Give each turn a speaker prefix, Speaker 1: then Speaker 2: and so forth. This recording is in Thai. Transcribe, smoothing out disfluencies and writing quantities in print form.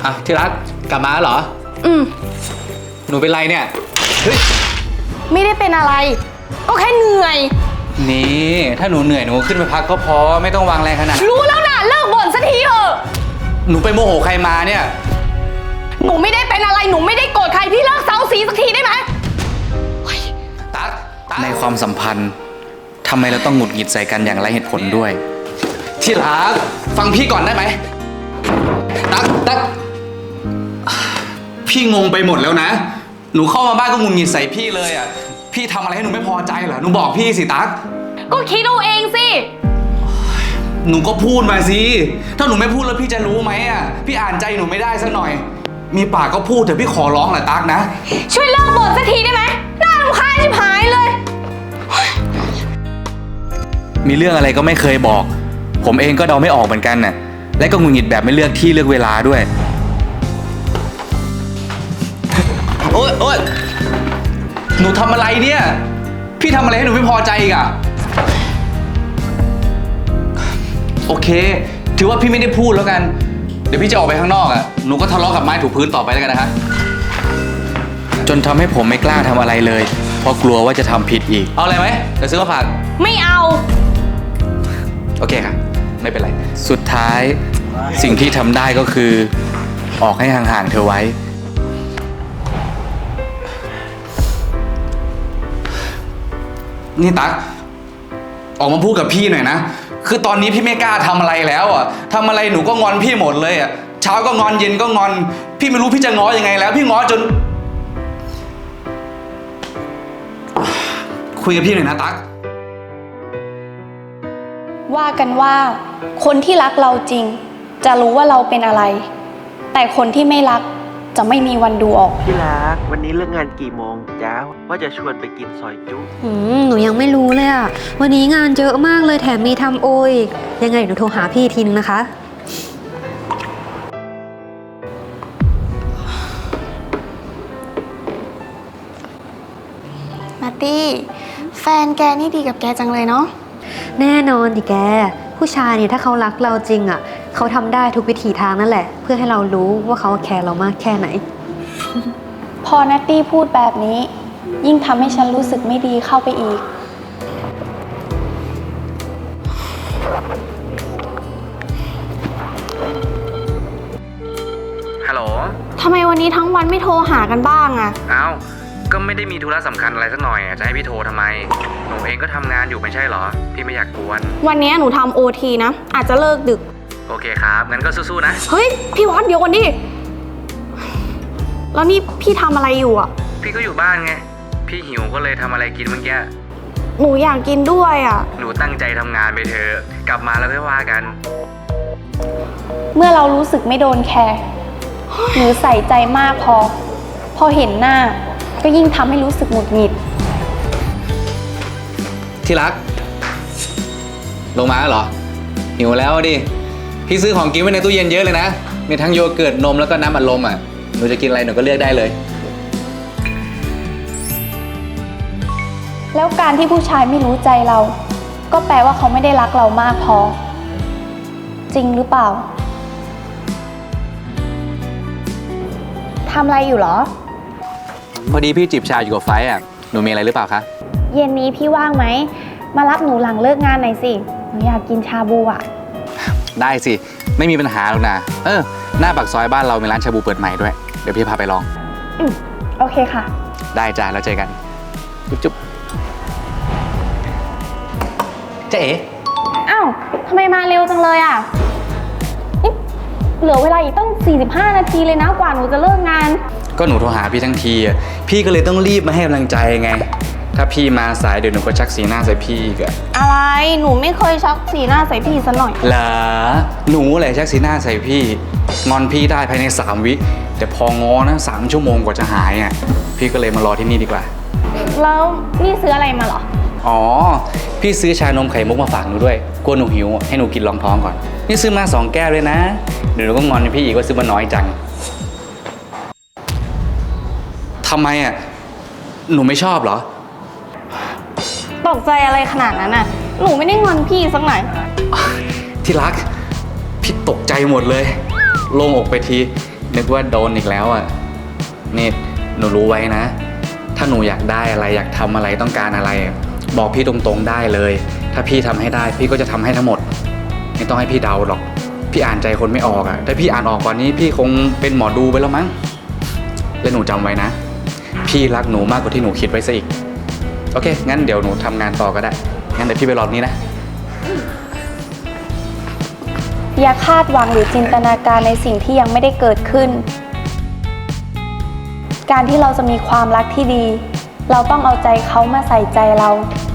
Speaker 1: อ่ะที่รักกลับมาแล้วเหรอหนูเป็นไรเนี่ยเฮ้ย
Speaker 2: ไม่ได้เป็นอะไรก็แค่เหนื่อย
Speaker 1: นี่ถ้าหนูเหนื่อยหนูขึ้นไปพักก็พอไม่ต้องวางแรงขนาด
Speaker 2: รู้แล้วนะเลิกบ่นสักทีเถอะ
Speaker 1: หนูไปโมโหใครมาเนี่ย
Speaker 2: หนูไม่ได้เป็นอะไรหนูไม่ได้โกรธใครพี่เลิกเซาซีสักทีได้ไหม
Speaker 1: ตั๊กในความสัมพันธ์ทำไมเราต้องหงุดหงิดใส่กันอย่างไรเหตุผลด้วยที่รักฟังพี่ก่อนได้ไหมตั๊กพี่งงไปหมดแล้วนะหนูเข้ามาบ้านก็หงุดหงิดใส่พี่เลยอ่ะพี่ทำอะไรให้หนูไม่พอใจเหรอหนูบอกพี่สิตั๊ก
Speaker 2: ก็คิดเอาเองสิ
Speaker 1: หนูก็พูดมาสิถ้าหนูไม่พูดแล้วพี่จะรู้ไหมอ่ะพี่อ่านใจหนูไม่ได้สักหน่อยมีปากก็พูดเถอะพี่ขอร้องแหละตั๊กนะ
Speaker 2: ช่วยเลิกบ่นสักทีได้ไหมน่ารำคาญชิบหายเลย
Speaker 1: มีเรื่องอะไรก็ไม่เคยบอกผมเองก็เดาไม่ออกเหมือนกันน่ะและก็หงุดหงิดแบบไม่เลือกที่เลือกเวลาด้วยโอ๊ยหนูทำอะไรเนี่ยพี่ทำอะไรให้หนูไม่พอใจอีกอะโอเคถือว่าพี่ไม่ได้พูดแล้วกันเดี๋ยวพี่จะออกไปข้างนอกอะหนูก็ทะเลาะกับไม้ถูพื้นต่อไปแล้วกันนะคะจนทำให้ผมไม่กล้าทำอะไรเลยเพราะกลัวว่าจะทำผิดอีกเอาอะไรไหมเดี๋ยวซื้อมาฝาก
Speaker 2: ไม่เอา
Speaker 1: โอเคค่ะไม่เป็นไรสุดท้ายสิ่งที่ทำได้ก็คือออกให้ห่างๆเธอไว้นี่ตั๊กออกมาพูดกับพี่หน่อยนะคือตอนนี้พี่ไม่กล้าทำอะไรแล้วอ่ะทำอะไรหนูก็งอนพี่หมดเลยอ่ะเช้าก็งอนเย็นก็งอนพี่ไม่รู้พี่จะง้อยังไงแล้วพี่ง้อจนคุยกับพี่หน่อยนะตั๊ก
Speaker 2: ว่ากันว่าคนที่รักเราจริงจะรู้ว่าเราเป็นอะไรแต่คนที่ไม่รักจะไม่มีวันดูออก
Speaker 3: ที่รักวันนี้เลิกงานกี่โมงจ้าว่าจะชวนไปกินซอยจุ๊
Speaker 4: หนูยังไม่รู้เลยอ่ะวันนี้งานเยอะมากเลยแถมมีทำโออีกยังไงหนูโทรหาพี่ทีนึงนะคะ
Speaker 2: มาร์ตี้แฟนแกนี่ดีกับแกจังเลยเนาะ
Speaker 4: แน่นอนดิแกผู้ชายเนี่ยถ้าเขารักเราจริงอ่ะเขาทำได้ทุกวิถีทางนั่นแหละเพื่อให้เรารู้ว่าเขาแคร์เรามากแค่ไหน
Speaker 2: พอนัตตี้พูดแบบนี้ยิ่งทำให้ฉันรู้สึกไม่ดีเข้าไปอีก
Speaker 1: ฮัลโหล
Speaker 2: ทำไมวันนี้ทั้งวันไม่โทรหากันบ้างอะ
Speaker 1: อ้าวก็ไม่ได้มีธุระสำคัญอะไรสักหน่อยจะให้พี่โทรทำไมหนูเองก็ทำงานอยู่ไม่ใช่เหรอพี่ไม่อยากกวน
Speaker 2: วันนี้หนูทำโอทีนะอาจจะเลิกดึก
Speaker 1: โอเคครับงั้นก็สู้ๆนะ
Speaker 2: เฮ้ยพี่วัดเดี๋ยวก่อนดิแล้วนี่พี่ทำอะไรอยู่อ่ะ
Speaker 1: พี่ก็อยู่บ้านไงพี่หิวก็เลยทำอะไรกินเมื่อกี้
Speaker 2: หนูอยากกินด้วยอ่ะ
Speaker 1: หนูตั้งใจทำงานไปเถอะกลับมาแล้วค่อยว่ากัน
Speaker 2: เมื่อเรารู้สึกไม่โดนแคร์หรือใส่ใจมากพอเห็นหน้าก็ยิ่งทำให้รู้สึกหงุดหงิด
Speaker 1: ที่รักลงมาแล้วเหรอหิวแล้วดิพี่ซื้อของกินไว้ในตู้เย็นเยอะเลยนะมีทั้งโยเกิร์ตนมแล้วก็น้ำอัดลมอ่ะหนูจะกินอะไรหนูก็เลือกได้เลย
Speaker 2: แล้วการที่ผู้ชายไม่รู้ใจเราก็แปลว่าเขาไม่ได้รักเรามากพอจริงหรือเปล่าทำอะไรอยู่เหรอ
Speaker 1: พอดีพี่จิบชาอยู่กับไฟอ่ะหนูมีอะไรหรือเปล่าคะ
Speaker 2: เย็นนี้พี่ว่างไหมมารับหนูหลังเลิกงานหน่อยสิหนูอยากกินชาบูอ่ะ
Speaker 1: ได้สิไม่มีปัญหาหรอกนะหน้าปากซอยบ้านเรามีร้านชาบูเปิดใหม่ด้วยเดี๋ยวพี่พาไปลอง
Speaker 2: โอเคค่ะ
Speaker 1: ได้จ้าแล้วเจอกันจุ๊บเจ๊
Speaker 2: อ้าวทำไมมาเร็วจังเลยอ่ะนี่เหลือเวลาอีกตั้ง45 นาทีเลยนะกว่าหนูจะเลิกงาน
Speaker 1: ก็หนูโทรหาพี่ทั้งทีอ่ะพี่ก็เลยต้องรีบมาให้กำลังใจไงถ้าพี่มาสายเดี๋ยวหนูก็ชักสีหน้าใส่พี่อีกอะ
Speaker 2: อะไรหนูไม่เคยชักสีหน้าใส่พี่ซะหน่อย
Speaker 1: เหรอหนูแหละชักสีหน้าใส่พี่งอนพี่ได้ภายใน3 วิแต่พองอนะ3 ชั่วโมงกว่าจะหายอ่ะพี่ก็เลยมารอที่นี่ดีกว่า
Speaker 2: แล้วนี่ซื้ออะไรมาเหรอ
Speaker 1: อ๋อพี่ซื้อชานมไข่มุกมาฝากหนูด้วยกลัวหนูหิวให้หนูกินรองท้องก่อนนี่ซื้อมา2 แก้วเลยนะเดี๋ยวหนูก็งอนพี่อีกว่าซื้อมาน้อยจังทำไมอ่ะหนูไม่ชอบเหรอ
Speaker 2: ตกใจอะไรขนาดนั้นน่ะหนูไม่ได้งอนพี่สักหน่อย
Speaker 1: ที่รักพี่ตกใจหมดเลยโล่งอกไปทีนึกว่าโดนอีกแล้วอ่ะนี่หนูรู้ไว้นะ ถ้าหนูอยากได้อะไรอยากทำอะไรต้องการอะไร บอกพี่ตรงๆได้เลย ถ้าพี่ทำให้ได้พี่ก็จะทำให้ทั้งหมดไม่ต้องให้พี่เดาหรอกพี่อ่านใจคนไม่ออกอ่ะถ้าพี่อ่านออกกว่านี้พี่คงเป็นหมอดูไปแล้วมั้งและหนูจำไว้นะพี่รักหนูมากกว่าที่หนูคิดไว้ซะอีกโอเคงั้นเดี๋ยวหนูทำงานต่อก็ได้งั้นเดี๋ยวพี่ไปรอนี้นะ
Speaker 2: อย่าคาดหวังหรือจินตนาการในสิ่งที่ยังไม่ได้เกิดขึ้น การที่เราจะมีความรักที่ดี เราต้องเอาใจเขามาใส่ใจเรา